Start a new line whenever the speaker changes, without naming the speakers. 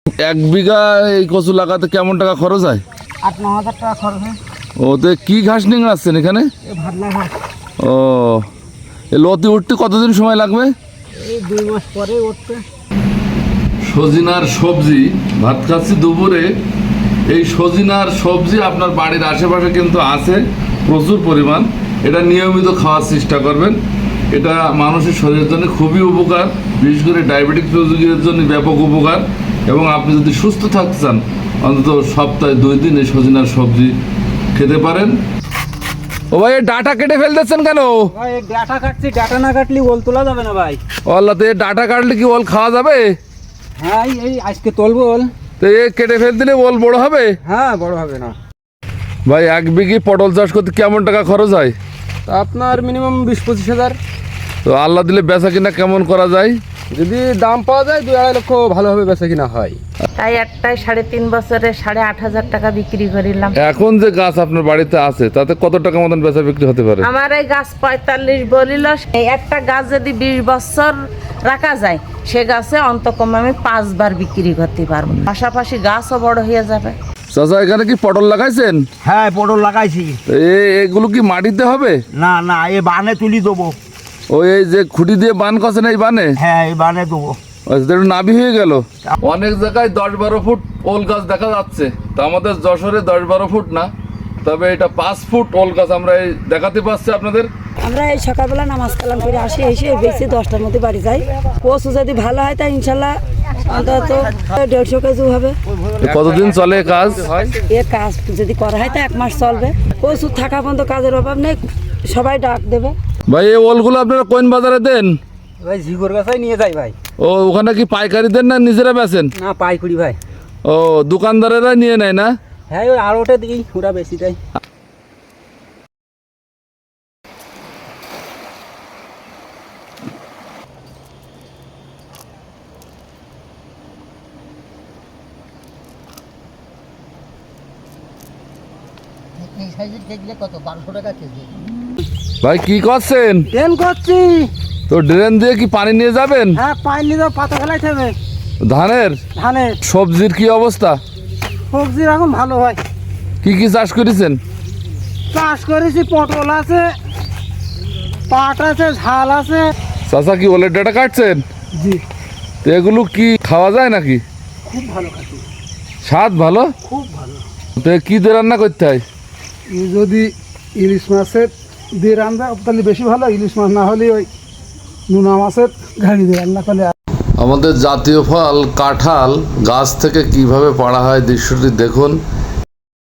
এক বিঘা এই কচু লাগাতে কেমন টাকা খরচ হয়?
8-9 হাজার টাকা খরচ হয়।
ওতে কি ঘাস নিয়ে আসছেন এখানে?
ভাবনা ঘাস।
ও, এই লতি উঠতে কতদিন সময় লাগবে?
এই 2 মাস পরে উঠতে।
সজিনার সবজি ভাত খাচ্ছি দুপুরে। এই সজিনার সবজি আপনার বাড়ির আশেপাশে কিন্তু আছে প্রচুর পরিমাণ। এটা নিয়মিত খাওয়ার চেষ্টা করবেন। এটা মানুষের শরীরের জন্য খুবই উপকার, বিশেষ করে ডায়াবেটিক রোগীদের জন্য ব্যাপক উপকার। এবং আপনি যদি সুস্থ থাকতে চান অন্তত সপ্তাহে 2 দিন এই সজিনার সবজি খেতে পারেন। ও ভাই, ডাটা কেটে ফেলতেছেন কেন?
ভাই এই ডাটা কাটছি, ডাটা না কাটলে ওল তোলা যাবে না ভাই।
ওল্লাতে ডাটা কাটলে কি ওল খাওয়া যাবে?
হ্যাঁ এই আজকে তুলবো ওল।
তো এ কেটে ফেল দিলে ওল বড় হবে?
হ্যাঁ বড় হবে না
ভাই। 1 বিঘি পটল চাষ করতে কেমন টাকা খরচ হয়?
তা আপনার মিনিমাম 20-25 হাজার।
তো আল্লাহ দিলে বেচা কিনা কেমন করা যায়?
যদি দাম পাওয়া যায় 2-2.5 লক্ষ ভালোভাবে বেচা কিনা হয়।
তাই একটাই 3.5 বছরে 8,500 টাকা বিক্রি করিলাম।
এখন যে গাছ আপনার বাড়িতে আছে তাতে কত টাকা মতন বেচা বিক্রি হতে পারে?
আমার এই গাছ 45 বলিল। এই একটা গাছ যদি 20 বছর রাখা যায় সে গাছে অন্তকম আমি 5 বার বিক্রি করতে পারবো। পাশাপাশি গাছও বড় হয়ে যাবে।
চাচা, এখানে কি পটল লাগাইছেন?
হ্যাঁ পটল লাগাইছি।
এগুলো কি মাটিতে হবে?
না না, এ বানে তুলি দেবো।
ওই এই যে খুঁটি দিয়ে বান করছেন এই বানে?
হ্যাঁ এই বানে দেবো।
নাভি হয়ে গেল। অনেক জায়গায় 10-12 ফুট ওল গাছ দেখা যাচ্ছে, তা আমাদের যশোরে 10-12 ফুট না, তবে এটা 5 ফুট ওল গাছ আমরা এই দেখাতে পাচ্ছি আপনাদের।
আমরা এই সকালবেলা নামাজ কালাম করে আসি, এসে বেশি 10টার মধ্যে বাড়ি যাই। কচু যদি ভালো হয় তাই ইনশাল্লাহ অন্তত 150 কেজি হবে।
কতদিন চলে কাজ?
এর কাজ যদি করা হয় তা 1 মাস চলবে। কচু থাকা পর্যন্ত কাজের অভাব নেই, সবাই ডাক দেবে।
ভাই, এই ওলগুলো আপনারা কোন বাজারে দেন?
ভাই ঝিগোর গাছাই নিয়ে যাই ভাই।
ও, ওখানে কি পাইকারি দেন না নিজেরা বেচেন?
না পাইকুড়ি ভাই।
ও, দোকানদারেরা নিয়ে নেয় না?
হ্যাঁ ওই আর ওটা দিই, ওরা বেশি দেয়।
ভাই কি করছেন?
ট্রেন করছি।
তো ড্রেন দিয়ে কি পানি নিয়ে যাবেন?
হ্যাঁ পানি নিয়ে যাও, পাতা ফেলাইতে হবে।
ধানের?
ধানের।
সবজির কি অবস্থা?
সবজি এখন ভালো হয়।
কি কি চাষ করেছেন?
চাষ করেছি, পটল আছে, পাট আছে, ঝাল আছে।
চাচা কি ওলের ডাটা কাটছেন?
জি।
তো এগুলো কি খাওয়া যায় নাকি?
খুব ভালো কাটি,
স্বাদ ভালো?
খুব ভালো।
তো কি দিয়ে রান্না করতে হয়?
যদি ইলিশ মাছের দিয়ে রান্না তাহলে বেশি ভালো, ইলিশ মাছ না হলে ওই নোনা মাছের ঘাড়ি দিয়ে রান্না করলে।
আমাদের জাতীয় ফল কাঁঠাল গাছ থেকে কিভাবে পাড়া হয় দৃশ্যটি দেখুন।